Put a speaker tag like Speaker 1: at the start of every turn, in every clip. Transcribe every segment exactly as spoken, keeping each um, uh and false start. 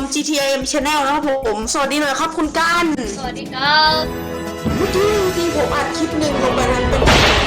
Speaker 1: จี ที เอ็ม Channel นะครับผมสวัสดีหน่อยครับคุณกัน
Speaker 2: สวัสดีครับ
Speaker 1: เมื่อกี้ที่ผมอัดคลิปหนึ่งลงไปนั้นเป็น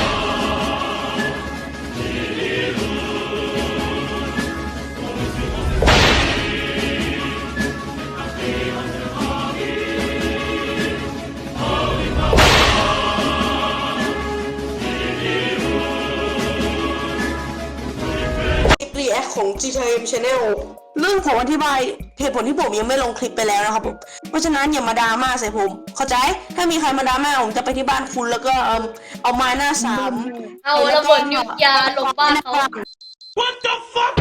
Speaker 1: รีแอคของ จี ที เอ็ม Channel เรื่องผมอธิบายเหตุผลที่ผมยังไม่ลงคลิปไปแล้วนะครับผมเพราะฉะนั้นอย่ามาดราม่าใส่ผมเข้าใจถ้ามีใครมาดราม่าผมจะไปที่บ้านคุณแล้วก็เอมเอาไม้หน้าสาม
Speaker 2: เอาระเบิดนิวเคลียร์ลงบ้านเขา
Speaker 3: What the fuck?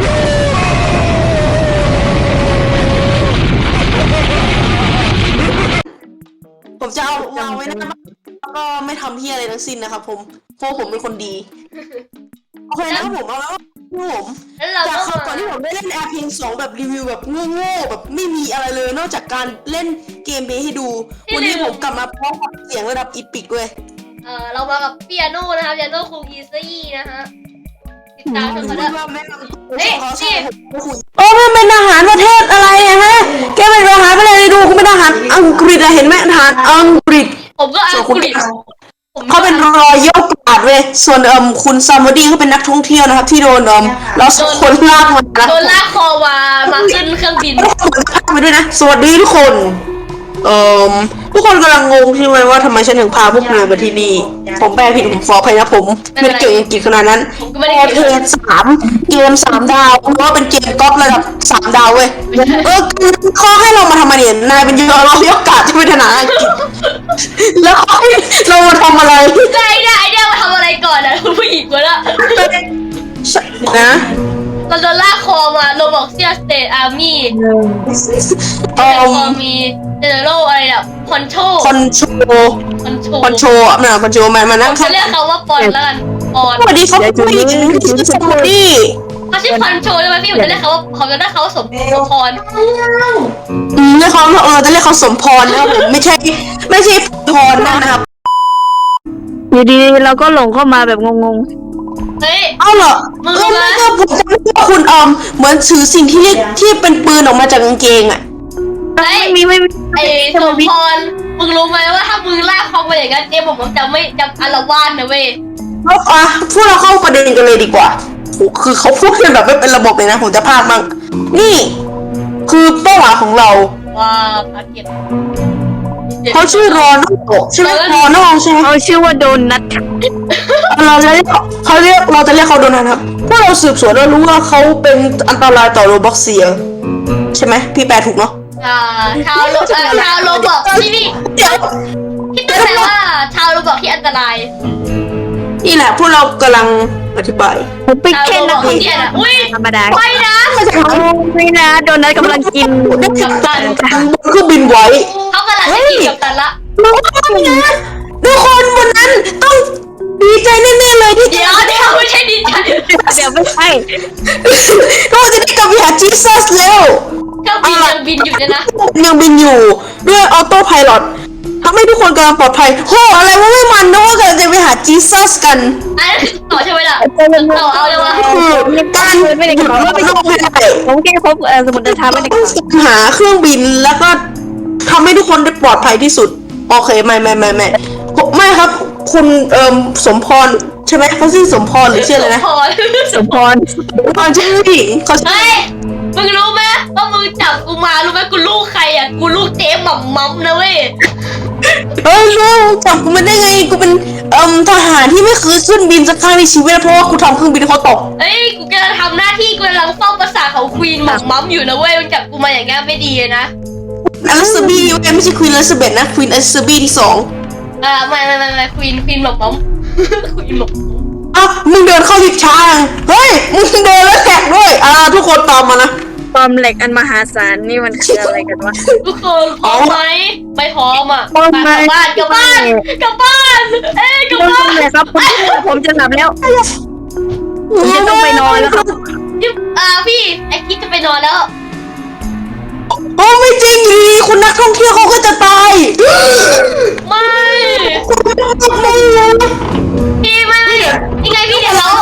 Speaker 1: ผมจะเอาวางไว้หน้าบ้านแล้วก็ไม่ทำเฮียอะไรทั้งสิ้นนะครับผมเพราะผมเป็นคนดีโอเคนะครับผมเอาแล้วผม
Speaker 2: แล้วเรา
Speaker 1: จาก
Speaker 2: ก็
Speaker 1: คราวก่อนที่ผมได้เล่นแอร์เพียงสองแบบรีวิวแบบโง่ๆแบบไม่มีอะไรเลยนอกจากการเล่นเกมเพลย์ให้ดูวันนี้ผมกลับมาพร้อมกับเสียงระดับอีพิกด้วย
Speaker 2: เออเรามากับเปียโนนะครับเปียโนคุงอีซี่นะฮะติดตามชมกันด้วย เอ๊ะนี่
Speaker 1: โอ้มันเป็นทหารประเทศอะไรอะฮะแกเป็นทหารอะไรดูคุณเป็นทหารอังกฤษอะเห็นไหมทหารอังกฤษ
Speaker 2: ผมก็อังกฤษผม
Speaker 1: เขาเป็นรอยยกกาดเว้ยส่วนเอิมคุณซามอดี้เขาเป็นนักท่องเที่ยวนะครับที่โดนเอิมเราสองคนลากมานะ
Speaker 2: โดนลากคอมามาขึ้นเครื่องบิน
Speaker 1: ไปด้วยนะสวัสดีทุกคนเอ่อทุกคนกำลังงงใช่ไหมว่าทำไมฉันถึงพาพวกนายมาที่นี่ผมแปลผิดผมขออภัยนะผมไม่ได้เก่งอังกฤษขนาดนั้น
Speaker 2: ผมก็ไม่
Speaker 1: พ
Speaker 2: ได้
Speaker 1: อ
Speaker 2: เก่ง
Speaker 1: เทสามเกมสามดาวเพราะว่าเป็นเกมก๊อประดับสามดาวเว้ยเออข้อให้เรามาทำอะไรเนี่ยนายเป็นเยอะเรายกกาดที่เป็นทหารอังกฤษแล้วเขาให้เรามาทำอะไร
Speaker 2: ใจเนี่ยไอเดียมาทำอะไรก่อนอะผู้หญิงวะละ
Speaker 1: นะ
Speaker 2: เราโดนลากคอมาโรบอกเซียสเตทอาร์มี่
Speaker 1: เอ่
Speaker 2: แต่
Speaker 1: อ
Speaker 2: พอมีเจเนอเรลอะไรแบบคอนโทร
Speaker 1: คอนโทร
Speaker 2: คอนโทร
Speaker 1: คอนโทรอ่ะนะคอนโทรมามา
Speaker 2: ผ
Speaker 1: นั่ง
Speaker 2: มจะเรียกเขาว่าปอนแล้วกันปอน
Speaker 1: สวัสดีครับผู้หญิงชื่อสวัสดี
Speaker 2: เขาชื่อคอนโทรใช่ไหมพี่ผมจะเรียกเขาว่าเขาจะเรียกเขาว่าสมสมพร
Speaker 1: อืมเรียกเขาเออจะเรียกเขาสมพรนะครับผมไม่ใช่ไม่ใช่พรนะครับ
Speaker 4: อยู่ดีๆเราก็หลงเข้ามาแบบงง
Speaker 2: เฮ้ย
Speaker 1: เอาเหรอ
Speaker 2: มึง
Speaker 1: เอ
Speaker 2: รู้
Speaker 1: อ
Speaker 2: ไหม
Speaker 1: ไม่ก็ผมจำได้ว่าคุณออมเหมือนถือสิ่งที่เรียกที่เป็นปืนออกมาจากกางเกงอ่ะ
Speaker 4: ๆ
Speaker 2: เฮ้ย
Speaker 4: ไม่มีไม่มี
Speaker 2: ไอ้สมพรมึงรู้ไหมว่าถ้ามึงลากเขาไปอย่างนั้นเจ๊ผมจะไม่จะอารวาสนะเว้ย
Speaker 1: แล้วอ่ะพูดเราเข้าประเด็นกันเลยดีกว่าโหคือเขาพูดกันแบบไม่เป็นระบบเลยนะผมจะพากมั่งนี่ คือเป้าหมายของเรา
Speaker 2: ว้าวภารกิจ
Speaker 1: เขาชื่อรอนอใช่ไหมรอนอใช่ไหม
Speaker 4: เขาชื่อว่าโดนัท
Speaker 1: เราจะเรียกเขาเรียกเราจะเรียกเขาโดนัทครับเพราะเราสืบสวนแล้วรู้ว่าเขาเป็นอันตรายต่อโรบ็อกเซียใช่ไหมพี่แปลถูกเนาะ
Speaker 2: อ่าชาวโลเอ่อชาวโรบอกที่นี่
Speaker 1: เดี๋ยว
Speaker 2: คิดตั้งแต่ว่าชาวโรบอกที่อันตราย
Speaker 1: นี่แหละพวกเรากำลังอธิบาย
Speaker 4: ผมเป็น
Speaker 2: ชาว
Speaker 4: แค่
Speaker 2: โรบ
Speaker 4: นั
Speaker 2: อก ก
Speaker 4: เรี
Speaker 2: ที่
Speaker 4: ย
Speaker 2: เนี่ย
Speaker 4: น
Speaker 2: นะอุ้ย
Speaker 4: ธรรมดา
Speaker 2: ไม่นะ
Speaker 1: ไม่ใช่เขา
Speaker 4: โอ้ไม่นะโดนัทกำลังกิน
Speaker 1: ได้กัปตันเครื่องบินไว้
Speaker 2: เขากำลังจะกินกับตันละ
Speaker 1: น้องนะทุกคนวันนั้นต้องดีใจแน่ๆเลยที่
Speaker 2: เดี๋ยวเดี๋ยวไม่ใช่ดีใจ
Speaker 4: เดี๋ยวไม่ใช่
Speaker 1: เราจะได้กลับไปหาจีซัสแล้ว
Speaker 2: เครื่องบินยังบินอยู่เนี่ยนะ
Speaker 1: ยังบินอยู่ด้วยออโต้ไพลอตทำให้ทุกคนกำลังปลอดภัยโหอะไรวะไม่มันนะว่ากำลังจะไปหาจีซัสกัน
Speaker 2: อันนั้นคือต่อใช่ไหมล่ะต่อเอาเลยวะ
Speaker 1: คือการหยุดโลกไม่ได้
Speaker 4: ผมแค่พบเอ่อสมุดเดินทางไม่ได้
Speaker 1: ต้องหาเครื่องบินแล้วก็ทำให้ทุกคนได้ปลอดภัยที่สุดโอเคไม่ไม่ไม่ไม่ไม่ครับคุณเอ่อสมพรใช่ไหมเขาชื่อสมพรหรือชื่ออะไรนะ
Speaker 2: พอ
Speaker 4: สมพร
Speaker 1: สมพรชื่อผู้หญิงเขาชื่อ
Speaker 2: เฮ้ยมึงรู้ไหมว่ามึงจับกูมารู้ไหมกูลูกใครอ่ะกูลูกเจ๊หม่ำมั่มนะเว้ย
Speaker 1: เฮ้ยลูกจับกูมาได้ไงกูเป็นเอ่อทหารที่ไม่เคยขึ้นบินสักครั้งในชีวิตเพราะว่ากูทำเครื่องบินเขาตก
Speaker 2: เฮ้ยกูกำลังทำหน้าที่กูกำลังเฝ้าปราสาทของควีนหม่ำมั่มอยู่นะเว้ยมึงจับกูมาอย่างงี้ไม่ดีนะ
Speaker 1: อลิซาบีไม่ใช่ควีนอลิซาเบธนะควีนอลิซาบีที่สอง
Speaker 2: อ่าไม่ไม่ไม่ไม่ควีนควีนหม่ำมั่มควีนหม่ำมั่ม
Speaker 1: อ่ะมึงเดินเข้าลิฟต์ช้าเฮ้ยมึงเดินแล้วแท็กด้วยอ่าทุกคนตามมานะ
Speaker 4: ความเหล็กอันมหาศาลนี่มันคืออะไรกันวะ
Speaker 2: ทุกคนพร้อมไหมไม่พร้อมอ่ะ
Speaker 4: พร้อม
Speaker 2: ไป
Speaker 4: ไหม
Speaker 2: กลับบ้านกลับบ้านกลับบ้านเอ้ยกลับ
Speaker 4: เริ่ม
Speaker 2: บ้า
Speaker 4: ต้น
Speaker 2: น
Speaker 4: เลยครับผมผมจะหลับแล้ว ผมจะต้องไปนอนแล้วครับ
Speaker 2: จิ๊บอ่าพี่ไอคิดจะไปนอนแล้ว
Speaker 1: โอ้ไม่จริงอยู่ดีคุณนักท่องเที่ยวเขาก็จะตาย
Speaker 2: ไม่
Speaker 1: ไม่นะ
Speaker 2: พี่ไม่ไม่ยังไงพี่เดี๋ยวเรา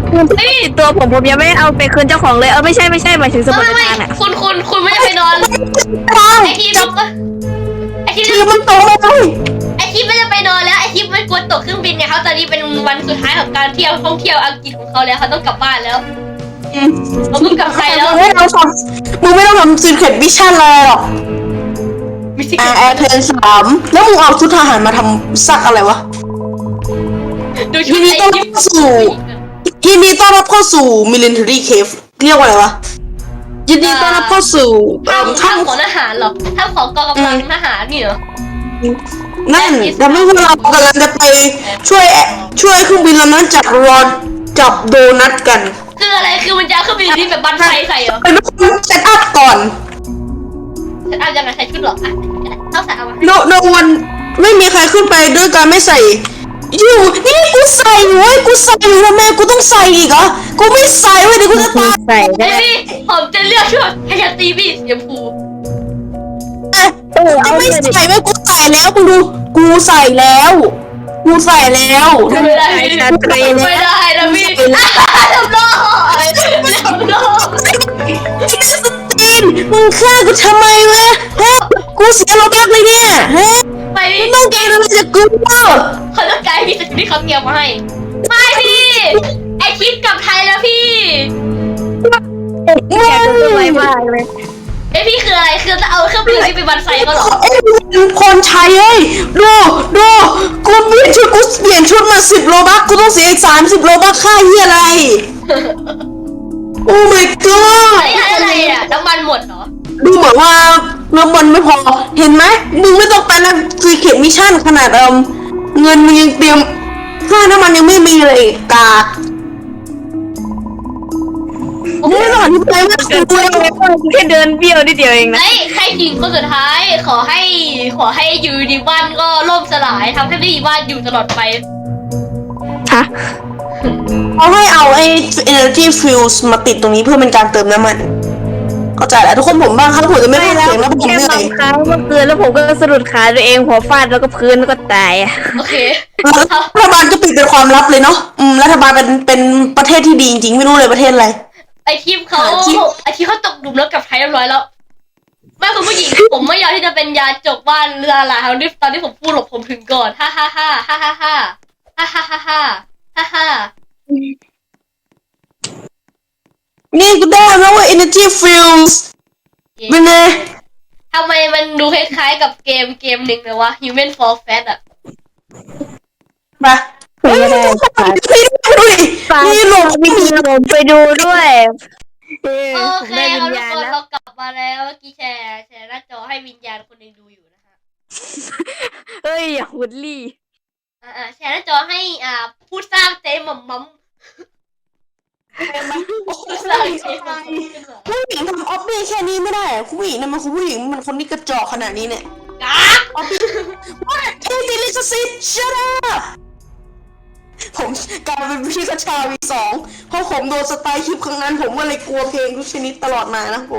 Speaker 2: เฮ้ย
Speaker 4: ตัวผมผมยังไม่เอาไปคืนเจ้าของเลยเออไม่ใช่ไม่ใช่หมายถึงสมุด
Speaker 2: ไม่
Speaker 4: เดิน
Speaker 2: ไม่
Speaker 4: ทางอ่ะ
Speaker 2: คุณคุณคุณไม่ได้ไปนอน
Speaker 1: ตาย
Speaker 2: ไอทีมไอที
Speaker 1: คือ
Speaker 2: ม
Speaker 1: มันโตเลย
Speaker 2: ไอทีมไม่ได้ไปนอนแล้วไอทีมมันกลัวตกเครื่องบินเนี่ยเขาตอนนี้เป็นวันสุดท้ายของการเที่ยวท่องเที่ยวอังกฤษของเขาแล้วเขาต้องกลับบ้านแล้วเขาต้องกลับไทยแล้ว
Speaker 1: มึงไม่ต้องทำมึงไม่ต้องทำซีเคร็ตมิชชั่นเลยหรอก
Speaker 2: ไม่ใช่
Speaker 1: แอร์แอร์เพนสามแล้วมึงเอาชุดทหารมาทำซักอะไรวะ
Speaker 2: ดูชุ
Speaker 1: ยิ
Speaker 2: ด
Speaker 1: นดี
Speaker 2: ไอ
Speaker 1: ต้อน
Speaker 2: ที
Speaker 1: รับ
Speaker 2: ม
Speaker 1: เข้าสู่ยินดีต้อนรับเข้าสู่ military cave เรียกว่าอะไรวะยินดีต้อนรับเข้าสู่เอ่อ
Speaker 2: ถ้ำ
Speaker 1: ถ้ำ
Speaker 2: ของทหารเหรอถ้ำของกองกำลังทหารนี่เหรอ
Speaker 1: นั่นทำให้พวกเรากำลังจะไปช่วยช่วยเครื่องบินลำนั้นจับรอนจับโดนัทกัน
Speaker 2: คืออะไรคือมันจะเอาเครื่องบินที่แบบบันไฟใส่เหรอ
Speaker 1: เป็นคนเซตอัพก่อน
Speaker 2: ฉันเอายังไงใส่ชุดเหรออ่ะต้องใส่เอามา
Speaker 1: โนโนวันไม่มีใครขึ้นไปด้วยการไม่ใส่อยู่นี่กูใส่เว้ยกูใส่อยู่ทำไมกูต้องใส่อีกเหรอกูไม่ใส่เว้ยเดี๋ยวกูจะตาย
Speaker 4: ใส่
Speaker 2: ไอ้
Speaker 4: ได้
Speaker 2: พี่ผมจะเลือกชุดให้ยันตีบี้สีชมพู
Speaker 4: เออ
Speaker 1: จะ
Speaker 4: เอา
Speaker 1: ไม่
Speaker 4: เลยดิ
Speaker 1: ใส่เว้ยกูใส่แล้วมึงดูกูใส่แล้วกูใส่แล้ว
Speaker 2: ไม่ได้ไม่ได้ไม่ได้นะพี่ทำโลทำโล
Speaker 1: สตีนมึงฆ่ากูทำไมวะฮะกูเสียโลบักเลยเนี่ยฮะ
Speaker 2: ไปพี่
Speaker 1: มึงต้องการอะไรจากกูเปล่า
Speaker 2: เขาต้องการพี่สกิลที่เขาเตรียมมาให้ไม่พี่ไอคิดกลับไทยแล้วพี่
Speaker 4: อยากจะสวยมากเลย
Speaker 2: ไอพี่คืออะไรคือจะเอาเครื่องบินที่ไปบันไซเขาเหรอ
Speaker 1: เอ้ยคนใช้เอ้ยดูดูกูเปลี่ยนชุดกูเปลี่ยนชุดมาสิบโลบักกูต้องเสียอีกสามสิบโลบักค่าเฮียอะไร โอ้ my god
Speaker 2: ไอ้อะไรอ่ะน้ำมันหมดเหรอ
Speaker 1: ดูเหมือนว่าน้ำมันไม่พอเห็นไหมมึงไม่ต้องไปนะซีเขียนมิชชั่นขนาดเอิมเงินมึงยังเตรียมค่าน้ำมันยังไม่มีเลยกากไม่ต้องอธิบายว่ากูเลย
Speaker 4: แค่เดินเบี้ยวนิดเดียวเองนะ
Speaker 2: ไอ้ใครจริงคนสุดท้ายขอให้ขอให้อยู่ดีบ้านก็ล่มสลายทำให้ไม่มีบ้านอยู่ตลอดไป
Speaker 4: ฮะ
Speaker 1: เขาให้เอาไอ้ energy fuels มาติดตรงนี้เพื่อเป็นการเติมน้ำมันเข้าใจแล้วทุกคนผมบ้างครับผมจะไม่พูดเสียงแล้วผม
Speaker 4: แค่
Speaker 1: เหนื่
Speaker 4: บา
Speaker 1: อย
Speaker 4: งครั้งเมื่อคืนแล้วผมก็สะดุดขาตัวเองหัวฟาดแล้วก็พื้นแล้วก็ตายอะ
Speaker 2: โอเค
Speaker 1: รัฐบาลก็ปิดเป็นความลับเลยเนาะอืมรัฐบาลเป็นเป็นประเทศที่ดีจริงๆไม่รู้เลยประเทศอะไร
Speaker 2: ไอทีมเขา
Speaker 1: หาที่
Speaker 2: ไอทีมเขาตกหลุมแล้วกลับไทยเรียบร้อยแล้วแม่คุณผู้หญิง ผมไม่ยอมที่จะเป็นยาจกบ้านเรือหลาตอนที่ตอนที่ผมพูดหลบผมถึงก่อนฮ่าฮ่าฮ่าฮ่าฮ่าฮ่าฮ่าฮ่าฮ่าฮ่าฮ่าฮ่า
Speaker 1: นี่กูได้แล้วว่า energy fuels เป็นไง
Speaker 2: ทำไมมันดูคล้ายๆกับเกมเกมหนึ่งเลยวะ Human for Fat อะ
Speaker 1: มา
Speaker 4: ไม่ได้
Speaker 1: พี่ดูดิ
Speaker 4: ฝาก
Speaker 1: นี่หลบ
Speaker 4: วิธีผมไปดูด้วยเออ
Speaker 2: โอ
Speaker 4: ผม
Speaker 2: เค
Speaker 4: ได้วิ
Speaker 2: เอา
Speaker 4: ญ
Speaker 2: ทุก
Speaker 4: ญาณ
Speaker 2: คน
Speaker 4: แล้ว
Speaker 2: เรากลับมาแล้วเมื่อกี้แชร์แชร์หน้าจอให้วิญญาณคนหนึ่งดูอยู่นะฮะ
Speaker 4: เฮ้ยอย่าหุดลี่
Speaker 2: อ่าๆแชร์หน้าจอให้อ่าผู้สร้างเจ๊หม่อมมัมผู้สร้างเจ๊หม่อมมัมขึ้นมา
Speaker 1: ผู้หญิงทำออฟฟี่แค่นี้ไม่ได้อะผู้หญิงนะมันคือผู้หญิงมันคนที่กระจอกขนาดนี้เนี่ย
Speaker 2: กาก
Speaker 1: ออฟฟี่ว่าเทดิลิซซิตชัดอัพผมกลายเป็นพี่กระชาวีสองเพราะผมโดนสไตล์คลิปครั้งนั้นผมก็เลยกลัวเพลงทุกชนิดตลอดมานะผม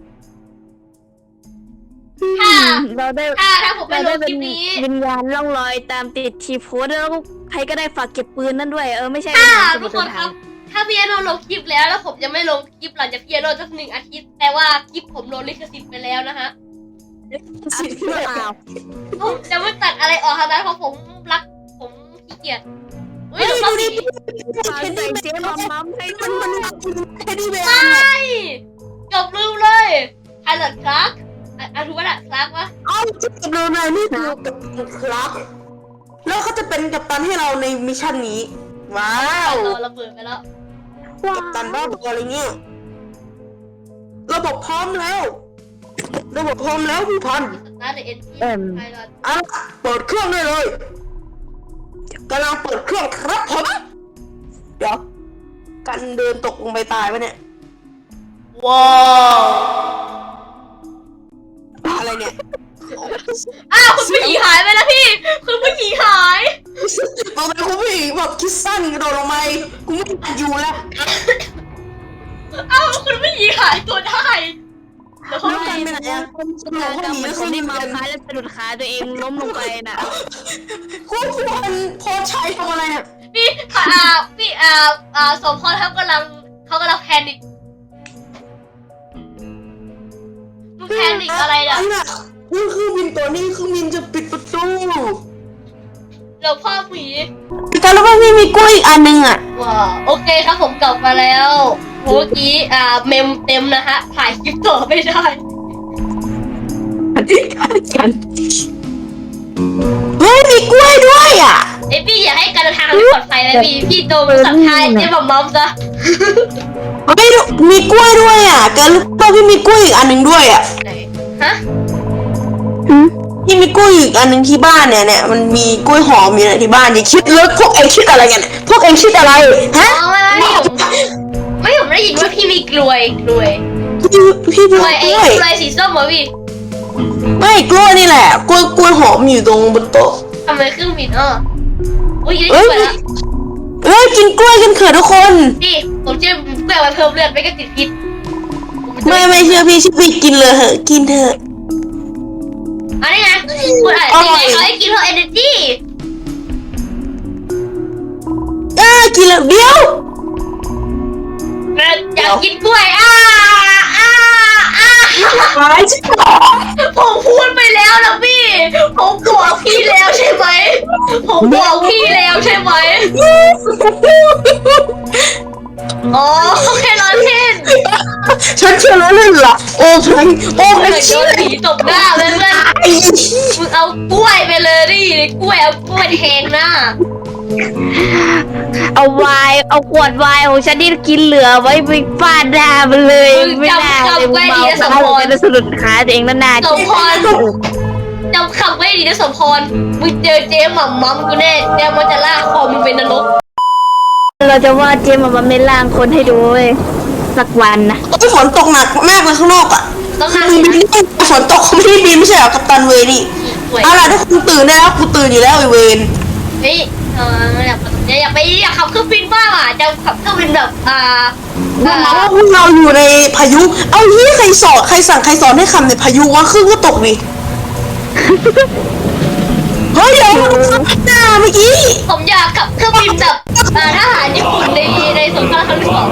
Speaker 2: ถ้า
Speaker 4: เราได้
Speaker 2: ถ้าถ้าผมไป
Speaker 4: เรา
Speaker 2: ล
Speaker 4: ได้
Speaker 2: งค
Speaker 4: เป็
Speaker 2: ลิ
Speaker 4: น
Speaker 2: ปนี้
Speaker 4: วิญญาณล่องลอยตามติดทีโพสแล้วใครก็ได้ฝากเก็บปืนนั่นด้วยเออไม่ใช่
Speaker 2: ถ้า
Speaker 4: ส
Speaker 2: ทุ
Speaker 4: มุ
Speaker 2: ก
Speaker 4: ด
Speaker 2: ค
Speaker 4: เดิ
Speaker 2: น
Speaker 4: น
Speaker 2: ค
Speaker 4: ทา
Speaker 2: รั
Speaker 4: ง
Speaker 2: บ ถ้าพี่แอนโนลงคลิปแล้วแล้วผมจะไม่ลงคลิปหลังจากพี่แอนโนสักหนึ่งอาทิตย์ แต่ว่าคลิปผมโดนลิขสิทธิ์ไปแล้วนะฮะ
Speaker 1: สิบ
Speaker 4: อ้าว
Speaker 2: ผมจะไม่ตัดอะไรออกทั้งนั้นเพราะผมรักผมขี้เกียจอุ้ย
Speaker 1: เฮ้ย
Speaker 2: หนู
Speaker 1: ดู
Speaker 2: ต้อง
Speaker 1: ดิ
Speaker 2: สี
Speaker 4: ฝากใส่เจ๊มัมมัมให้
Speaker 1: มั
Speaker 4: ด้
Speaker 1: น
Speaker 4: วย
Speaker 1: มันเทดดี้แบร์
Speaker 2: ใช่เกับลืมเลยไฮเลอร์คลาร์กอ่ะถูกป่ะล่ะคลาร์กวะ
Speaker 1: เอ้าจะกับเราในนี่คือกับครับแล้วเขาจะเป็นกัปตันให้เราในมิชชั่นนี้ ว้าว
Speaker 2: โดนระเบิดไปแล้ว
Speaker 1: กัปตันบ้าบออะไรเงี้ยระบบพร้อมแล้วระบบพร้อมแล้วผู้พัน
Speaker 2: สตาร์ทเดอะเอ็นจีไฮเลอร์
Speaker 1: อ่ะเปิดเครื่องได้เลยกำลังเปิดเครื่องครับผมเดี๋ยวกันเดินตกลงไปตายปะเนี่ย
Speaker 2: ว้าว
Speaker 1: อะไรเนี่ย
Speaker 2: อ้าวคุณผู้หญิงหายไปแล้วพี่คุณผู้หญิงหาย
Speaker 1: เอาไปคุณผู้หญิงแบบคิดสั้นกระโดดลงไปกูไม่อยากอยู่แล้ว
Speaker 2: อ้าวคุณผู้หญิงหายตัวได้แล้วเขา
Speaker 1: แล้วกันไปไหนอะ
Speaker 4: คนเราก็เหมือนคนที่เมาค้าแล้วสะดุดขาตัวเองล้มลงไปน่ะ
Speaker 1: คุณควรโพสชัยทำอะไรเนี่ย
Speaker 2: พี่อ่าพี่อ่าอ่าสมพรเขากำลังเขากำลังแพนิคมึงแพนิคอะไรเนี่ย
Speaker 1: นี่คือบินตัวนี้คือบินจะปิดประตู
Speaker 2: หลวงพ่อผี
Speaker 1: แต่แล้วก็พี่มีกล้วยอีกอันนึงอ่ะ
Speaker 2: ว้าวโอเคครับผมกลับมาแล้วเมื่อกี้อ่าเมมเต็มนะฮะถ่ายคลิปต่อไม่ได้
Speaker 1: เฮ้ยมีกล้วยด้วยอ่ะ
Speaker 2: ไอพี่อย่าให้การเดินทางไม่ปลอดภัยเลยพี่พี่โดนสัมภาษณ์เจ๊บอมมอมซะ
Speaker 1: เฮ้ยมีกล้วยด้วยอ่ะแกรู้ป่ะพี่มีกล้วยอีกอันนึงด้วยอ่ะ
Speaker 2: ไหนฮะ
Speaker 1: พี่มีกล้วยอีกอันนึงที่บ้านเนี่ยเนี่ยมันมีกล้วยหอมอยู่ในที่บ้านอย่าคิดเลยพวกเองคิดอะไรกันพวกเองคิดอะไรฮะ
Speaker 2: อ๋อไม่ไม่ผมไม่ผมได้ยินว่าพี่มีกลวยกลวย
Speaker 1: พี่พี่
Speaker 2: ก
Speaker 1: มี
Speaker 2: ล
Speaker 1: ก
Speaker 2: ว
Speaker 1: ล้
Speaker 2: ยไอ้
Speaker 1: วย
Speaker 2: กลวยสีส้มเหรอพี่
Speaker 1: ไม่กล้วยนี่แหละกล้วยกล้วยหอมอยู่ตรงบนโต๊ะ
Speaker 2: ทำไมเครื่องบินเอออุ้ยได้
Speaker 1: เอ้
Speaker 2: ยิ
Speaker 1: ย
Speaker 2: นไปแล้ว
Speaker 1: เอ้ยกินกล้วยกันเถอะทุกคน
Speaker 2: พี่ผมเชื่อกล้วยมาเพิ่มเลือดไม่ก็ติดพิษ
Speaker 1: ไม่ไม่เชื่อพี่เชื่อพี่กินเลยเหอะกินเถอะ
Speaker 2: อันนี้ไงคุณอ่ะยังไงเขาให้กินเพื่อ energy
Speaker 1: อ่ากินแล้วเดี๋ยว
Speaker 2: อยากกินกล้วยอ่าอ่าอ่า
Speaker 1: หายใช่ไหม
Speaker 2: ผมพูดไปแล้วนะพี่ ผมบอกพี่แล้วใช่ไหม ผมบอกพี่แล้วใช่ไหม อ๋อแค่ร้อนเล่น
Speaker 1: ฉันเชื่อแล้วเลยล่ะโอ้พลังโอ้พ
Speaker 2: เหมื
Speaker 1: ลั
Speaker 2: อง นโด
Speaker 1: เชื่อน
Speaker 2: ผีตบหน้าเลยเพื่อน
Speaker 1: ไอ้
Speaker 2: มึงเอากล้วยไปเลยดิกล้วยเอากล้วยแทงหน้า
Speaker 4: เอาไวน์เอาขวดไวน์ของฉันที่กินเหลือไว้ไปฟาดหน้ามันเลยไม่น่าเลยเมาจะสะดุดขาตัวเองแล้วหน้า
Speaker 2: สมพรจำคำไว้ดีนะสมพร มึงเจอเจ๊หม่ำมัมกูแน่เจ๊มันจะลากคอมึงเป็นนรก
Speaker 4: เราจะว่าเจมส์มาเมล่างคนให้ดูเว้ยสักวันนะ
Speaker 1: โอ้ยฝนตกหนักมากเลยข้างนอกอ่ะ
Speaker 2: ต้องนั่ง
Speaker 1: มึงบินไม่ฝนตกเขาไม่ได้บินไม่ใช่เหรอกัปตันเวนี่
Speaker 2: สวย
Speaker 1: เอาล่ะทุกคนตื่นได้แล้วกูตื่นอยู่แล้วไอเวน
Speaker 2: เฮ้ยเอออยากอยากไปอยากขับเครื่องบินบ้างอ่ะจะขับเครื่องบินแบบอ่า
Speaker 1: ว่าพวกเราอยู่ในพายุ เอาที่ใครสอนใครสั่งใครสอนให้คำในพายุว่าครึ่งก็ตกดิเฮ้ยเดี๋ยวมันหน้าเมื่อกี้
Speaker 2: ผมอยากขับเครื่องบินแบบอ่าทหารญี่ปุ่นในในสงครามครั้งที่สอง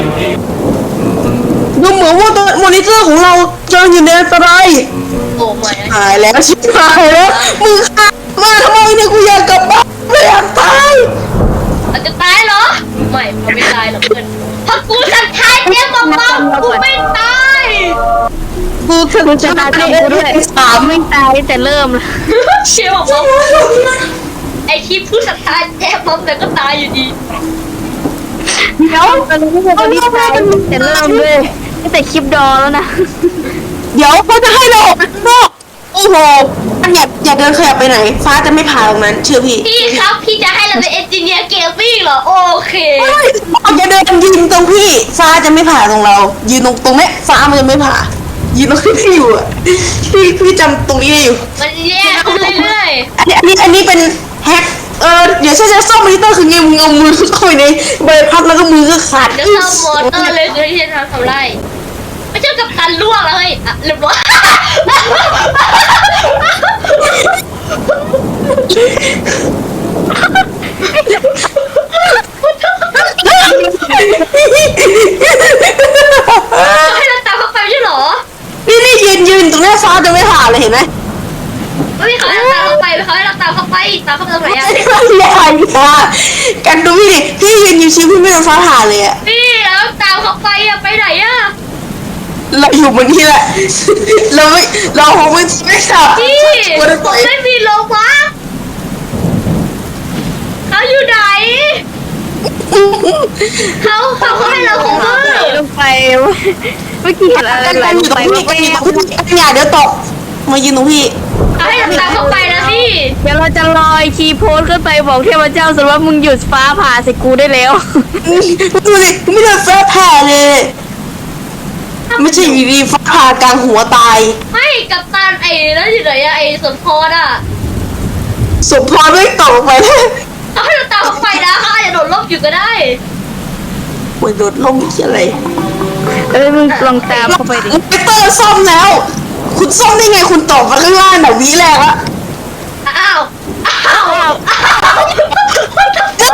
Speaker 1: ดูเหมือนว่าตัวมอนิเตอร์ของเราจะอยู่ในอันตราย
Speaker 2: โอ้ไม่
Speaker 1: หายแล้วชิบหายแล้วมึงฆ่ามาทำไมเนี่ยกูอยากกลับบ้านไม่อยากตาย
Speaker 2: อาจจะตายเหรอ ไม่มันไม่ตายหรอกเพื่อนเพราะกูศรัทธาเจ๊หม่ำมัมกูไม่ตาย
Speaker 1: กูถึงจะตายด้วยสาม
Speaker 4: ไม่ตายแต่เริ่มละ
Speaker 2: เชื่อหม่ำมัมไอที่ผู้ศรัทธาเจ๊หม่ำแต่ก็ตายอยู่ดี
Speaker 4: เดี๋ยวเราไม่ได้ตายแต่เริ่มเลยตั้งแต่คลิปดอแล้วนะ
Speaker 1: เดี๋ยวเขาจะให้เราออกไปข้างนอกโอ้โหอันอย่าอย่าเดินขยับไปไหน ฟ้าจะไม่ผ่าตรงนั้นเชื่อพี่
Speaker 2: พี่ครับพี่จะให้เราเป็นเอนจิเนียร์เกมมิ่งเหรอโอเค
Speaker 1: อย่าเดินยืนตรงพี่ ฟ้าจะไม่ผ่าตรงเรา ยืนตรงตรงเนี้ยฟ้ามันจะไม่ผ่า ยืนตรงที่พี่อยู่อะพี่พี่จำตรงนี้ได้อยู่
Speaker 2: มันแย่ขึ้นเรื่อย
Speaker 1: อันนี้อันนี้อันนี้เป็นแฮกเออเดี๋ยวฉันจะซ่อมมอนิเตอร์คือไงมึงเอามือเข้าไปในใบพัดแล้วก็มือก็ขาด
Speaker 2: ๆแล้วเรามอเตอร์เลยคือที่จะทำทำไรไม่ใช่กับตันล่วงแล้วเฮ้ยอ่ะเรียบร้อย ให้เราตามเข้าไปไม่ใช่เหรอ
Speaker 1: นี่นี่ยืนยืนตรงหน้าฟ้าจะไม่ผ่าเลยเห็นไหม
Speaker 2: ไม่มีเขาให้เราตามเข้าไปเขาให้เราตามเข้าไปตามเข้าไปตรงไหนอะ
Speaker 1: อย่าอย่ากันดูพี่ดิพี่ยืนอยู่ชิวพี่ไม่โดนฟ้าผ่าเลยอะ
Speaker 2: พี่แล้วตามเข้าไปอะไปไหนอะ
Speaker 1: เราอยู่บนนี้แหละ เราไม่เราคงไม่ไม่สับ
Speaker 2: พี่
Speaker 1: ตัว
Speaker 2: ผ
Speaker 1: ต่อ
Speaker 2: ม
Speaker 1: ย
Speaker 2: ไม่มีโลวะเขาอยู่ไหนเขาเขาเขาให้เราของมือ
Speaker 4: ลงไปเมื่อกี้เห็นอะไรไหล
Speaker 1: กัน
Speaker 4: ล
Speaker 1: อง ยู่ตร
Speaker 4: ไป
Speaker 1: ง
Speaker 4: ไม่
Speaker 1: พี่
Speaker 4: ไป
Speaker 1: กันอยู่ตรงพี่อย่าเดี๋ยวตกมายืนตรงพี่
Speaker 2: เขาให้เราตามเข้าไปนะพี่
Speaker 4: เดี๋ยวเราจะลอยคีย์โพสขึ้นไปบอกเทพเจ้าสรุปว่ามึงหยุดฟ้าผ่าใส่กูได้แล้ว
Speaker 1: ดูดิไม่โดนฟ้าผ่าเลย ไม่ใช่อยู่ดีฟ้าผ่ากลางหัวตาย
Speaker 2: ไม่กับตันไอ้นั่นอยู่ไหนอะไอ้สมพรอะ
Speaker 1: สมพรไม่ตกไปเลย
Speaker 2: เขาให้เราตามเข้าไปนะเขาอาจจะโดดร่มอยู่ก็ได้
Speaker 1: โอ้ยโดดล่มอีกอะไร
Speaker 4: เอ้ยมึงลองตามเข้าไปดิ
Speaker 1: ไปเตอร์ซ่อมแล้ว คุณซ่อมได้ไงคุณตกมาข้างล่างแบบวิแรกอะ
Speaker 2: อ้าวอ้าวอ้าว
Speaker 1: ก็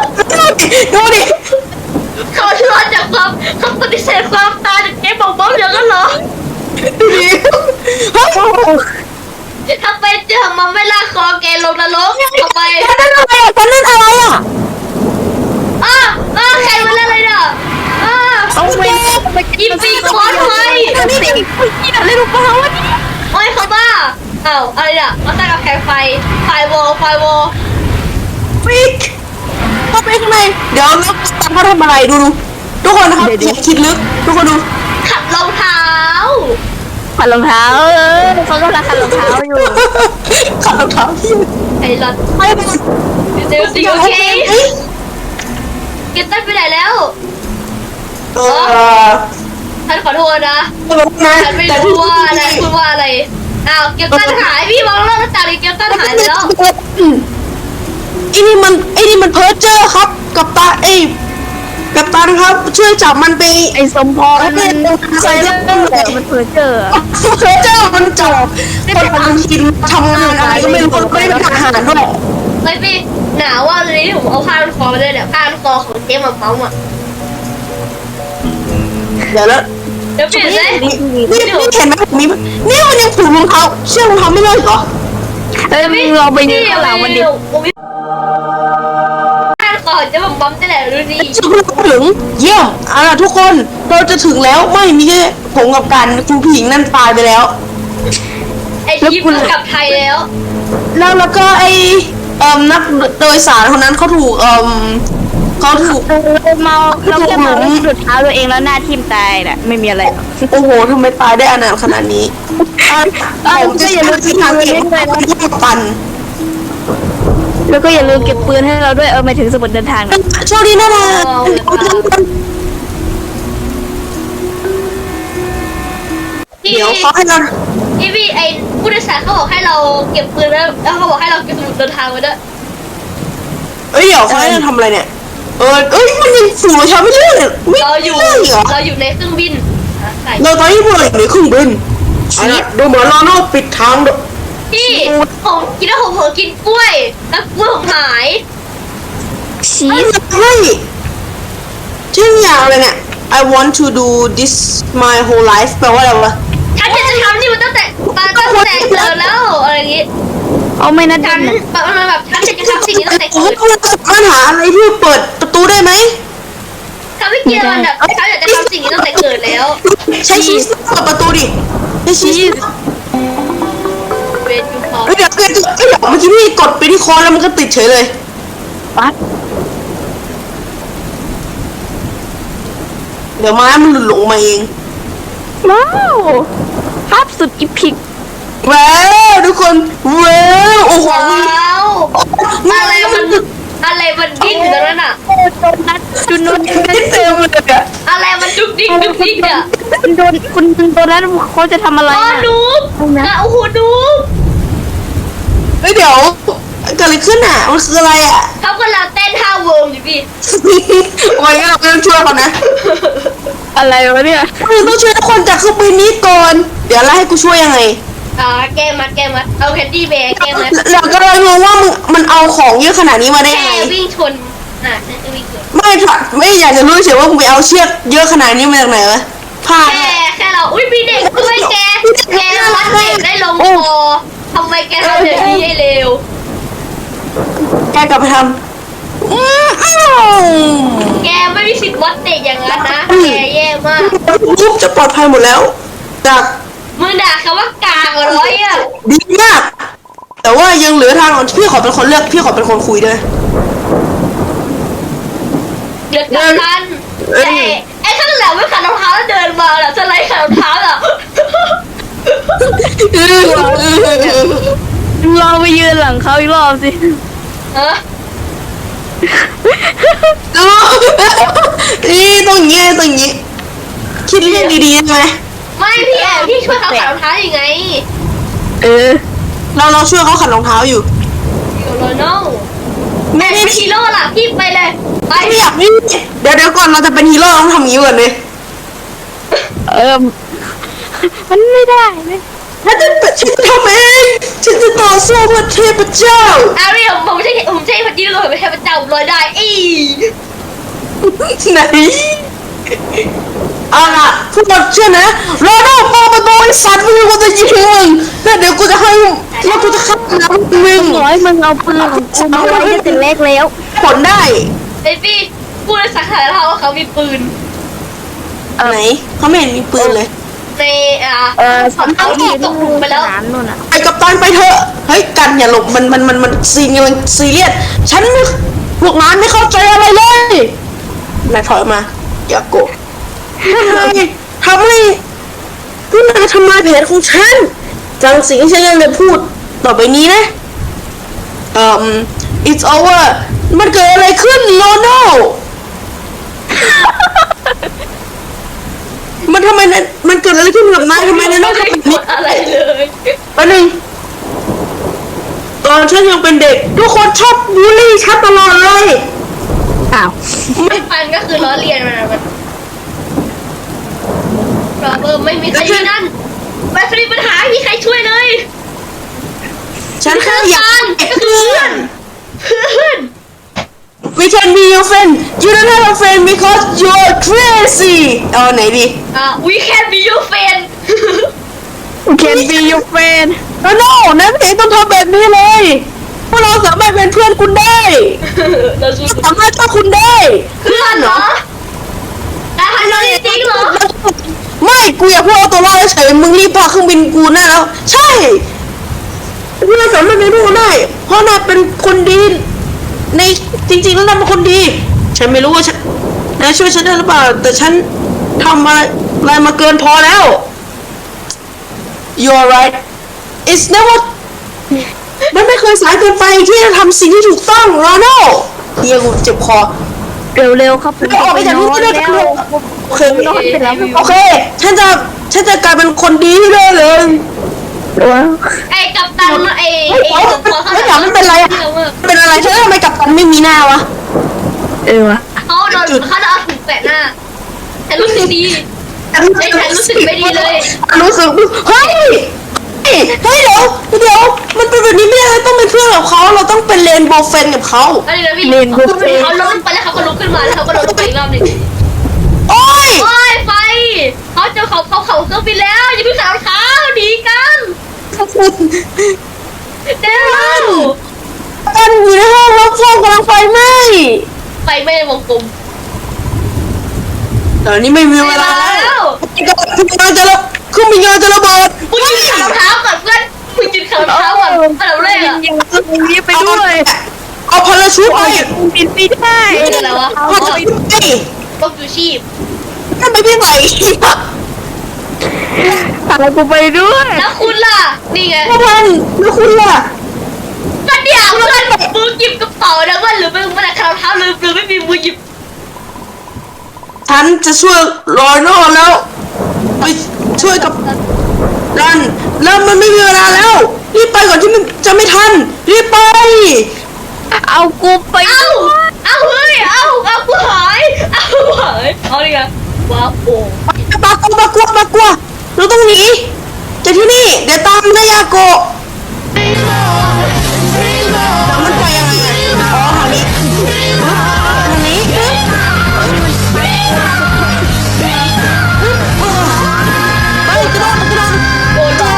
Speaker 1: ดิดูดิ
Speaker 2: เขารอดจากความเขาปฏิเสธความตายจากเกมบอกบอมอย่างนั้นเหรอ
Speaker 1: ดูดิเฮ้ย
Speaker 2: ถ้าเป็นเจอมันไม่ลากคอแกลงนรกเอาไป
Speaker 1: นั่นอะไรอ่ะนั่นอะไรอ่ะ
Speaker 2: อ้าอ้าใครมาเล่นอะไรเนี่ยอ้า
Speaker 4: เอาไป
Speaker 2: อีปีคอนไว้
Speaker 4: นี่นี่นี่อะไรรู้เปล่าวะนี่
Speaker 2: โอ้ยเขาบ้าอ้าวอะไรเนี่ยมาตั้งกับแผงไฟไฟวอลไฟวอล
Speaker 1: ฟิกเข้าไปข้างในเดี๋ยวนักตามเขาทำอะไรดูดูทุกคนนะครับอย่าคิดลึกทุกคนดู
Speaker 2: ขัดรองเท้า
Speaker 4: ขัดรองเท้าเออเขากำลังขัดรองเท้าอยู่
Speaker 1: ขัดรองเท้าที่
Speaker 2: ไอ้หลอด
Speaker 1: ไม่เป็น
Speaker 2: เดี๋ยวสิโอเคเก็บตั้งไปไหนแล้ว
Speaker 1: เออ
Speaker 2: ท่านขอโทษนะ
Speaker 1: ไม่รู้นะ
Speaker 2: ฉันไม่รู้ว่าอะไรพูดว่าอะไรอ้าวเก็บตั้งหายพี่มองรอบหน้าต่างดิเก็บตั้งหายไปแล้ว
Speaker 1: ไอ้นี่มันไอ้นี่มันเพ้อเจ้อครับกับตาไอ้กับตาครับช่วยจับมันไป
Speaker 4: ไอ้สมพรมันใส่เรื่องมันเผลอเจอ
Speaker 1: เพ้อเจ้อมันจับคนบางทีทำงานอะไรก็ไม่รู้ไม่ได้เป็นทหารด้วย
Speaker 2: เฮ้ยพี่หนาวว่าเลยที่ผมเอาผ้าพันคอมาเลยเนี่ยผ้าพันคอของเจ๊มาเมาส์อ่ะ
Speaker 1: เดี๋ยวแล้ว
Speaker 2: เดี๋ยวเปลี่ยนเลย
Speaker 1: นี่นี่เห็นไหมผมมีนี่มันยังผูกรองเท้าเชือกรองเท้าไม่ได้เหรอ
Speaker 4: เฮ้ยมึงลองไปยืนข้างหลังมันดิ
Speaker 2: ผ้าพันคอเจ๊มาเมาส์จะแหละดูดิ
Speaker 1: ถึงถึงเยี่ยมเอาล่ะทุกคนเราจะถึงแล้วไม่มีแค่ผมกับกันคุณผู้หญิงนั่นตายไปแล้ว
Speaker 2: ไอชิปกลับไทยแล้ว
Speaker 1: แล้วแล้วก็ไอเอ่อนักโดยสารคนนั้นเขาถูกเอ่อเขาถูก
Speaker 4: เราเมาเราแค่เมาแล้วสุดเท้าตัวเองแล้วหน้าทิ่มตายน่ะไม่มีอะไรหรอก
Speaker 1: โอ้โหทำไมตายได้อนาถขนาดนี้ผมจะอย่าลืมที่ทางเก็บที่ปัน
Speaker 4: แล้วก็อย่าลืมเก็บปืนให้เราด้วยเออหมายถึงสมุดเดินทางนะ
Speaker 1: โชคดีนะนะ
Speaker 2: พี่
Speaker 1: เดี๋ยวเขาให้เรา
Speaker 2: พี่พี่ไอผู้โดยสารเขาบอกให้เราเก็บปืนแล้วแล้วเขาบอกให้เราเก็บสมุดเดินทางไว้ด้วย
Speaker 1: เอ้ยเดี๋ยวเขาให้เราทำอะไรเนี่ยเออเอ้ยมันยังสูงกว่าฉันไม่ใช่เหรอไม่
Speaker 2: เราอยู่
Speaker 1: ใช่เหรอ
Speaker 2: เราอยู่ในเครื่องบินอ่ะใส่
Speaker 1: เราตอนนี้พวกเราอยู่ในเครื่องบินเอาล่ะดูเหมือนเราต้องปิดทางด้วย
Speaker 2: พี่ผมกินแล้วผมเผลอกินกล้วยแล้วกล้วยผมหาย
Speaker 4: ชี
Speaker 1: ไม่
Speaker 4: ส
Speaker 1: ใช่ชื่ออย่างอะไรเนี่ย I want to do this my whole life แปลว่าอะไรวะ
Speaker 2: ฉันจะทำนี่มันตั้งแต่มาตั้งแต่เกิดแล้วอะไรอย่างงี้
Speaker 4: เอาไม่นะ
Speaker 2: ฉั
Speaker 4: ดั
Speaker 2: น
Speaker 4: น
Speaker 2: แบบมันแบบฉันจะทำสิ่งนี้ตั้งแต่
Speaker 1: ผม
Speaker 2: เกิด
Speaker 1: ว่าเราสามารถหาอะไรที่เปิดประตูได้ไหม
Speaker 2: ถ้าไม่เกี่ยวมันแบบฉันอยากจะทำสิ่งนี้ตั้งแต่เกิดแล้ว
Speaker 1: ใช้ชีสเปิดประตูดิใช้ชีส
Speaker 2: เวทยูพอ
Speaker 1: เฮ้ยเดี๋ยวเดี๋ยวเดี๋ยวเมื่อกี้พี่กดไปที่คอแล้วมันก็ติดเฉยเลย
Speaker 4: ปัด
Speaker 1: เดี๋ยวม้ามันหลุดหลงมาเอง
Speaker 4: ว้าวภาพสุดอีพิก
Speaker 1: ว้าวทุกคนว้าวโอ้โห
Speaker 2: ว้าวอะไรมันอะไรมันดิ้นอยู่ตรงนั้นอ่ะ
Speaker 4: โดนนัดจุนโดน
Speaker 1: เต็มเลยอะ
Speaker 2: อะไรมันดุกดิ๊กดุกดิ๊กอ่ะ
Speaker 4: คุณโดนคุณโดนนัดเขาจะทำอะไร
Speaker 2: อ๋อ
Speaker 4: น่ะ
Speaker 2: นูบนะโอ้โหนูบ
Speaker 1: เฮ้ยเดี๋ยวเกิดอะไรขึ้นอ่ะมันคืออะไรอ่ะ
Speaker 2: เขากำลังเต้นท่าเวิร์มอยู่พี่
Speaker 1: โอ้ยงั้นเราต้องช่วยเขานะ
Speaker 4: อะไรวะเนี่ย
Speaker 1: มึงต้องช่วยทุกคนจากเครื่องบินนี้ก่อนเดี๋ยวแล้วให้กูช่วยยังไง
Speaker 2: อ่าแก้มัดแก้มัดเอาแคนดี้แบร์แก้มัด
Speaker 1: เราก็เลยงงว่ามึงมันเอาของเยอะขนาดนี้มาได้
Speaker 2: แค่
Speaker 1: ไง
Speaker 2: วิ่งชนอ่ะฉันจะวิ่งชน
Speaker 1: ไม่ถอดไม่อยากจะรู้เฉยว่ามึงไปเอาเชือกเยอะขนาดนี้มาจากไหนวะผ้า
Speaker 2: แค่แค่เราอุ้ยมีเด็กด้วยแกแกวัดเด็กได้ลงคอทำไมแกทำอย่างนี้ให้เร็ว
Speaker 1: แกกลับไปทำอืมอ้าว
Speaker 2: แกไม่มีสิทธิ์วัดเด็กอย่างนั้นนะแกแย่มาก
Speaker 1: รูปจะปลอดภัยหมดแล้ว จาก
Speaker 2: มึงด่าเขาว่ากากร้อยอ่ะ
Speaker 1: ดีมาก แต่ว่ายังเหลือทางอ่อนพี่ขอเป็นคนเลือกพี่ขอเป็นคนคุยด้วย
Speaker 2: เดือดกับทันไอ้ไอ้ข้างหลังไม่ขัดรองเท้าแล้วเดินมาล่ะสไลด์ขัดรองเท้าอ่ะ
Speaker 4: ลองไปยืนหลังเขาอีกรอบสิ
Speaker 2: เออ
Speaker 1: ดูนี่ตรงนี้ตรงนี้ คิดเรื่องดีๆใช่ไหม
Speaker 2: ไม่พี่แอบพี่ช่วยเขาขัดรองเท้ายังไง
Speaker 4: เออ
Speaker 1: เราเราช่วยเขาขัดรองเท้าอยู่
Speaker 2: อยู่โรนัล
Speaker 1: ไม่
Speaker 2: เป็
Speaker 1: ไม่
Speaker 2: น
Speaker 1: ไม่
Speaker 2: ฮีโร่ล่ะพี่ไปเลยไป
Speaker 1: ไม่อยากนี่เดี๋ยวเดี๋ยวก่อนเราจะเป็นฮีโร่เราต้องทำอย่างนี้ก่อนเลย
Speaker 4: เออมันไม่ได้เลย
Speaker 1: ฉันจะฉันจะทำเองฉันจะต่อสู้เพื่อเทพเจ้า
Speaker 2: อารีผมผมไม่ใช่ผมไม่ใช่พระเจ้าผมเป็นเทพเจ้าลอยได้อี
Speaker 1: ไหนเอาล่ะทุกคนเชื่อนะรอโน่เปิดประตูไอ้สัตว์มึงกูจะยิงมึงแล้วเดี๋ยวกูจะให้แล้วกูจะฆ่ามึง
Speaker 4: ร้อยมึงเอาปืนของกูมาไว้ตั้งแต่แรกแล้ว
Speaker 1: ผลได้
Speaker 2: ไอ้พี่พูดในสักขนาดเขาว่าเขามีปืน
Speaker 1: ไหนเขาไม่เห็นมีปืนเลย
Speaker 2: ในอ่า
Speaker 4: เออ
Speaker 2: เขาเอาที่ตกหลุมไปแล้ว
Speaker 4: สนามนู่นอ่ะ
Speaker 1: ไปกับตันไปเถอะเฮ้ยกันอย่าหลบมันมันมันมันซีนกำลังซีเรียสฉันไม่พวกนั้นไม่เข้าใจอะไรเลยนายถอยมาอย่าโกรธทำไมทำไมพวกนายทำลายแผนของฉันจังสิ่งที่ฉันยังจะพูดต่อไปนี้นะเอ่อ it's over มันเกิดอะไรขึ้นโลโน่มันทำไมนะมันเกิดอะไรขึ้นกับนายทำไมนายต้องทำแบบนี้
Speaker 2: อะไรเลย
Speaker 1: อันหนึ่งตอนฉันยังเป็นเด็ก ทุกคนชอบบูลลี่ฉันตลอดเลย
Speaker 4: อ้าว
Speaker 2: ไม่ฟันก็คือล้อเลียนมันอะมันเราเออไม่มีใครที่นั่นแบตมีปัญหาไม่มีใครช่วยเลย
Speaker 1: ฉันแค่อยาก
Speaker 2: ก็คือเพื่อนเพื่อน
Speaker 1: We can be your friend You don't have a friend because you're crazy เอาไหนดี
Speaker 2: อ่า we can be your friend
Speaker 4: Can be your friend
Speaker 1: โอ้โน่นายไม่เห็นต้องทำแบบนี้เลยพวกเราสามารถเป็นเพื่อนคุณได้
Speaker 2: เราสู้
Speaker 1: สามารถชอบคุณได้
Speaker 2: เพื่อนเหรอแต่ฮันนี่จริงเหรอ
Speaker 1: ไม่กูอยากพูดเอาตัวรอดเฉยมึงรีบพาเครื่องบินกูหน้าแล้ว ใช่พวกเราสามารถเป็นเพื่อนกันได้ เพราะนายเป็นคนดี ในจริงๆแล้วนายเป็นคนดี ฉันไม่รู้ว่าฉันนายช่วยฉันได้หรือเปล่า แต่ฉันทำอะไรอะไรมาเกินพอแล้ว You're right It's never มันไม่เคยสายเกินไปที่จะทำสิ่งที่ถูกต้องโรนัลเฮียกูเจ็บคอ
Speaker 4: เร็วๆครับผม
Speaker 1: ออกไปจากที่นี่ได้แล้วโอเค
Speaker 4: นอนไปแล้ว
Speaker 1: โอเค ฉันจะฉันจะกลายเป็นคนดีที่ได้เลย
Speaker 4: ว้าว
Speaker 2: ไอ้กัปตันไอ้
Speaker 1: เฮ้ย
Speaker 2: ไอ้ตัวเขา
Speaker 1: เฮ้ยไม่เป็นไรอะเป็นอะไรฉันทำไมกับตันไม่มีหน้าวะ
Speaker 4: เออวะ
Speaker 2: เขาโดนเขาโดนถูกแปะหน้าฉันรู้สึกดีไอ้ฉันรู้สึกไม่ดีเลย
Speaker 1: รู้สึกเฮ้ยเฮ้ยเฮ้ยเดี๋ยวเดี๋ยวมันเป็นแบบนี้ไม่ได้เราต้องเป็นเพื่อนกับเขาเราต้องเป็นเลนโบว์เฟนกับเขา
Speaker 2: อะไรนะพี่เขาล้มไปแล้วเขาก็ลุกขึ้นมาแล้วเขาก็โดนไปอีกรอบหนึ่ง
Speaker 1: โอ้ย
Speaker 2: โอ้ยไฟเขาเจอเขาเขาเขาเครื่องบินแล้วอย่าเพิ่งใส่รองเท้าหนีกันเร็ว
Speaker 1: กันอยู่ในห้องรับฟองกำลังไฟไหม้
Speaker 2: ไฟไม่ในวงกลม
Speaker 1: ตอนนี้ไม่มีเวลาแล้วคุณกำลังจะระเครื่องบินกำลังจะระเบิด
Speaker 2: มึงยืนขัดรองเท้าก่อนเพื่อนมึงยืนขัดรองเท้าก่อนอันดับแรกอะ
Speaker 4: ยังตรงนี้ไปด้วย
Speaker 1: เอาพาราชูทไป
Speaker 4: บินไม่ได้
Speaker 2: เป็นอะไรวะ
Speaker 1: พาราชูทไป
Speaker 2: พวกยูชีพ
Speaker 1: ทำไมพี่ใส่
Speaker 4: พากูไปด้วย
Speaker 2: แล้วคุณล่ะนี่ไง
Speaker 1: พ่อพันแล้วคุณล่ะ
Speaker 2: ก็เดี๋ยวเพื่อนมือหยิบกระเป๋านะเพื่อนหรือมึงไม่ได้ขัดรองเท้าลืมหรือไม่มีมือหยิบ
Speaker 1: ฉันจะช่วยรอยนอแล้วไปช่วยกับรันแล้วมันไม่มีเวลาแล้วรีบไปก่อนที่มันจะไม่ทันรีบไป
Speaker 4: เอากูไป
Speaker 2: เอ้าเอาเฮ้ยเอาเอากูหายเอาหายเอาดิไงว้าวโอ้
Speaker 1: ปากกัวปากกัวปากกัวเราต้องหนีจากที่นี่เดี๋ยวตามนายาโกะแต่มันไปยังไงอะอ๋อทางนี้ทางนี้ไปกระโดดกระโดด
Speaker 2: โดนล้อ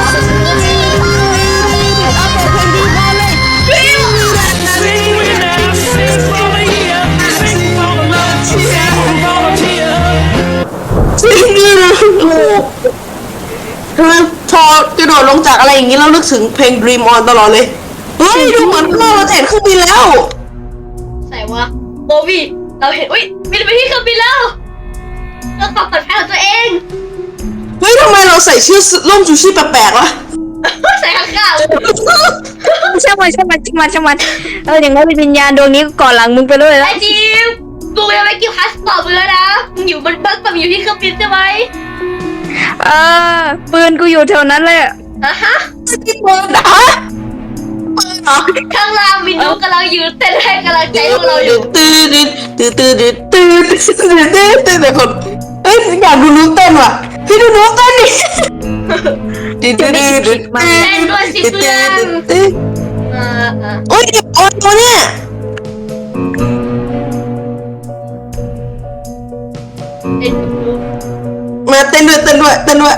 Speaker 1: เอาเปิดเพลงดีพอเลย
Speaker 3: Sing now, sing for the year, sing for the love, sing for the tear.
Speaker 1: จริงดิโอ้โหทำไมพอกระโดดลงจากอะไรอย่างนี้เรานึกถึงเพลง Dream On ตลอดเลย เฮ้ย ดูเหมือนว่าเราจะเห็นเครื่องบินแล้ว
Speaker 2: ใส่วะโบวี่เราเห็นอุ้ยบินไปที่เครื่องบินแล้วเรื่องความปลอดภัยของตัวเอง
Speaker 1: เฮ้ยทำไมเราใส่ชื่อร่มชูชีพแปลกๆวะ
Speaker 2: ใส่ข้างๆเลย
Speaker 4: ช่างมันช่างมันช่างมันช่างมันเอออย่างนั้นเป็นวิญญาณดวงนี้ก่อนหลังมึงไปด้วยแล้
Speaker 2: ไอ้
Speaker 4: ว
Speaker 2: จิมกูยังไม่กินพาสปอร์ตมึงแล้วนะมึงอยู่บนบัสมึงอยู่ที่เครื่องบินใช่ไหม
Speaker 4: เออปืนกูอยู่แถวนั้นเลย
Speaker 2: อ่ะฮะ
Speaker 1: ที่เปิดนะเปิดเหรอ
Speaker 2: ข้างล่างวินดูกำลังยืนเต้นให้กำลังใจพวกเราอยู่
Speaker 1: ตื่นตื่นตื่นตื่นตื่นตื่นตื่นตื่นตื่นแต่คนเอ้ยอยากดูนุ๊กเต้นว่ะพี่ดูนุ๊กเต้นดิตื่นตื่นตื่นตื่นตื่น
Speaker 2: อ่าอ่า
Speaker 1: โอ้ยโอ้ยตัวเนี่ย
Speaker 2: เอ็น
Speaker 1: มาเต้นด้วยเต้นด้วยเต้นด้วย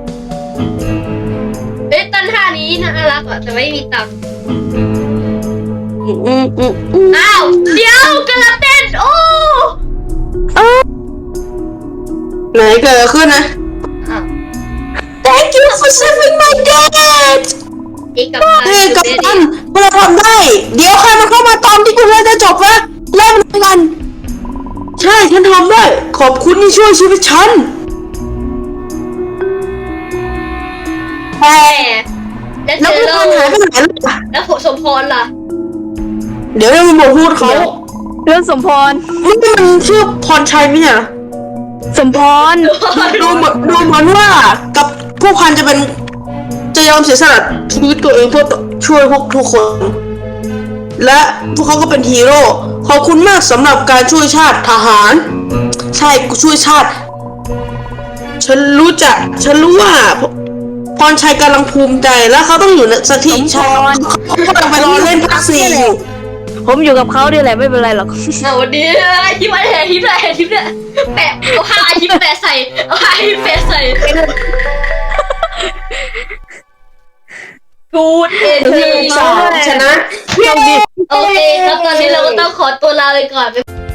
Speaker 2: เอ้ยตันท่านี้น่ารักอ่ะแต่ไม่มีตังค์
Speaker 1: อืมอืมอืมอืม
Speaker 2: อ้าวเดี๋ยวกำลังเต้นโอ้
Speaker 1: ไหนเกิดอะไรขึ้นนะ
Speaker 2: อ้าว
Speaker 1: Thank you for saving my dad
Speaker 2: เอกกับ
Speaker 1: เฮ้ยกัปตันพวกเราทำได้ เดี๋ยวใครมันเข้ามาตอนที่กูเล่นจะจบวะเล่นมันกัน ใช่ฉันทำได้ ขอบคุณที่ช่วยชีวิตฉัน
Speaker 2: แม่แล้ว
Speaker 1: แล้ว
Speaker 2: เจ
Speaker 1: พี่
Speaker 2: อ
Speaker 1: พันหายไปไหนล่ะ
Speaker 2: แล้วผมสมพรล่ะ
Speaker 1: เดี๋ยวเราไปบอกพูดเขา
Speaker 4: เรื่องสมพร
Speaker 1: นี่มันชื่อพรชัยไหมเนี่ย
Speaker 4: สมพร
Speaker 1: ดูเหมือนดูเหมือนว่ากับพวกพันจะเป็นจะยอมเสียสละชีวิตตัวเองเพื่อช่วยพวกทุกคน และพวกเขาก็เป็นฮีโร่ขอบคุณมากสำหรับการช่วยชาติทหาร ใช่กูช่วยชาติ ฉันรู้จักฉันรู้ว่าพรชัยกำลังภูมิใจและเขาต้องอยู่ในสถิติใช่เขากำลังไปรอเล่นพักซีอยู่
Speaker 4: ผมอยู่กับเขาด้วยแหละไม่เป็นไรหรอก
Speaker 2: เอาวันนี้ยิ้มอะไรยิ้มอะไรยิ้มเนี่ยแปะเอาผ้ายิ้มแปะใส่เอาผ้ายิ้มแปะใส่กูดเอ็นที
Speaker 1: ชนะ
Speaker 2: โอเคครับตอนนี้เราก็ต้องขอตัวลาไปก่อน